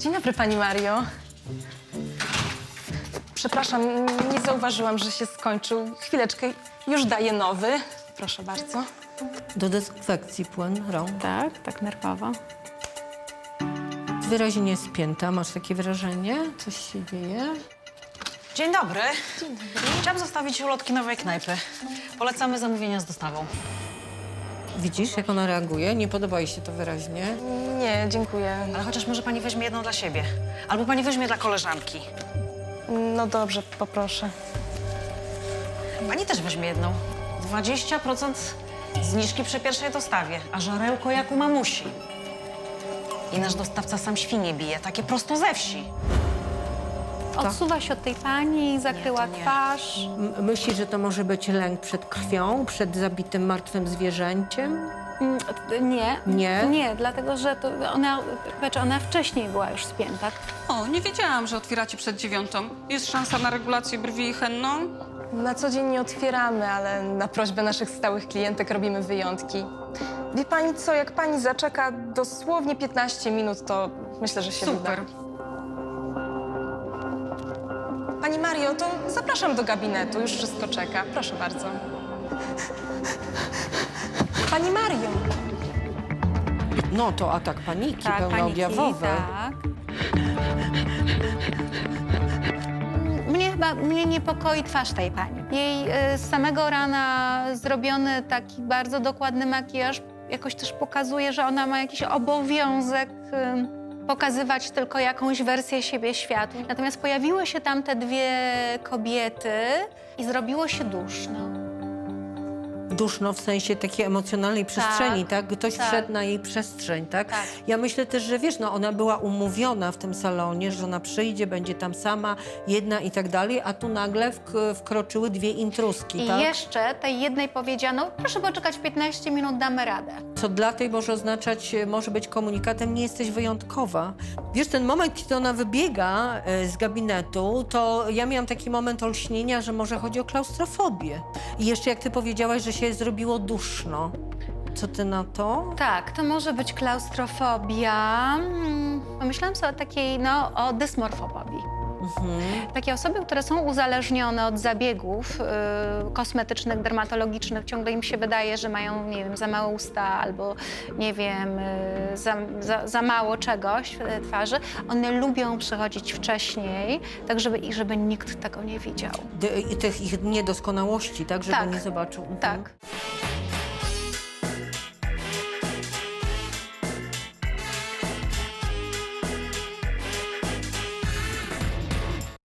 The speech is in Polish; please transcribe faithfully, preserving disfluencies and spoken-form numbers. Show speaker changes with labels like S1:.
S1: Dzień dobry, pani Mario. Przepraszam, nie zauważyłam, że się skończył. Chwileczkę, już daję nowy. Proszę bardzo.
S2: Do dezynfekcji płyn rąk.
S3: Tak, tak nerwowo.
S2: Wyraźnie spięta, masz takie wrażenie? Coś się dzieje?
S4: Dzień dobry. Dzień dobry. Chciałam zostawić ulotki nowej knajpy. Polecamy zamówienia z dostawą.
S2: Widzisz, jak ona reaguje? Nie podoba jej się to wyraźnie.
S1: Nie, dziękuję.
S4: Ale chociaż może pani weźmie jedną dla siebie. Albo pani weźmie dla koleżanki.
S1: No dobrze, poproszę.
S4: Pani też weźmie jedną. dwadzieścia procent zniżki przy pierwszej dostawie, a żarełko jak u mamusi. I nasz dostawca sam świnie bije, takie prosto ze wsi.
S3: Odsuwa się od tej pani, zakryła
S4: Nie, to nie.
S3: twarz.
S2: M- Myślisz, że to może być lęk przed krwią, przed zabitym martwym zwierzęciem?
S3: Mm, Nie.
S2: Nie?
S3: Nie, dlatego że to ona, znaczy ona wcześniej była już spięta.
S5: O, nie wiedziałam, że otwieracie przed dziewiątą. Jest szansa na regulację brwi henną?
S1: Na co dzień nie otwieramy, ale na prośbę naszych stałych klientek robimy wyjątki. Wie pani co, jak pani zaczeka dosłownie piętnaście minut, to myślę, że się
S5: Super.
S1: uda. Pani Mario, to zapraszam do gabinetu, już wszystko czeka. Proszę bardzo. Pani Mario!
S2: No to atak paniki,
S3: Tak,
S2: pełnoobjawowy.
S3: tak. Mnie chyba mnie niepokoi twarz tej pani. Jej y, z samego rana zrobiony taki bardzo dokładny makijaż jakoś też pokazuje, że ona ma jakiś obowiązek y, pokazywać tylko jakąś wersję siebie światu. Natomiast pojawiły się tam te dwie kobiety i zrobiło się duszno.
S2: Duszno w sensie takiej emocjonalnej przestrzeni, tak? Ktoś
S3: tak.
S2: wszedł na jej przestrzeń, tak?
S3: Tak.
S2: Ja myślę też, że wiesz, no ona była umówiona w tym salonie, że ona przyjdzie, będzie tam sama, jedna i tak dalej, a tu nagle wk- wkroczyły dwie intruski,
S3: I
S2: tak?
S3: jeszcze tej jednej powiedziano, proszę poczekać piętnaście minut, damy radę.
S2: Co dla tej może oznaczać, e, może być komunikatem, nie jesteś wyjątkowa. Wiesz, ten moment, kiedy ona wybiega e, z gabinetu, to ja miałam taki moment olśnienia, że może chodzi o klaustrofobię. I jeszcze jak ty powiedziałaś, że się zrobiło duszno. Co ty na to?
S3: Tak, to może być klaustrofobia. Hmm, Pomyślałam sobie o takiej, no, o dysmorfofobii. Takie osoby, które są uzależnione od zabiegów y, kosmetycznych, dermatologicznych, ciągle im się wydaje, że mają, nie wiem, za małe usta albo, nie wiem, y, za, za, za mało czegoś w twarzy. One lubią przychodzić wcześniej, tak żeby, i żeby nikt tego nie widział.
S2: D- i tych ich niedoskonałości, tak? Żeby
S3: Tak.
S2: nie zobaczył. Mhm.
S3: Tak.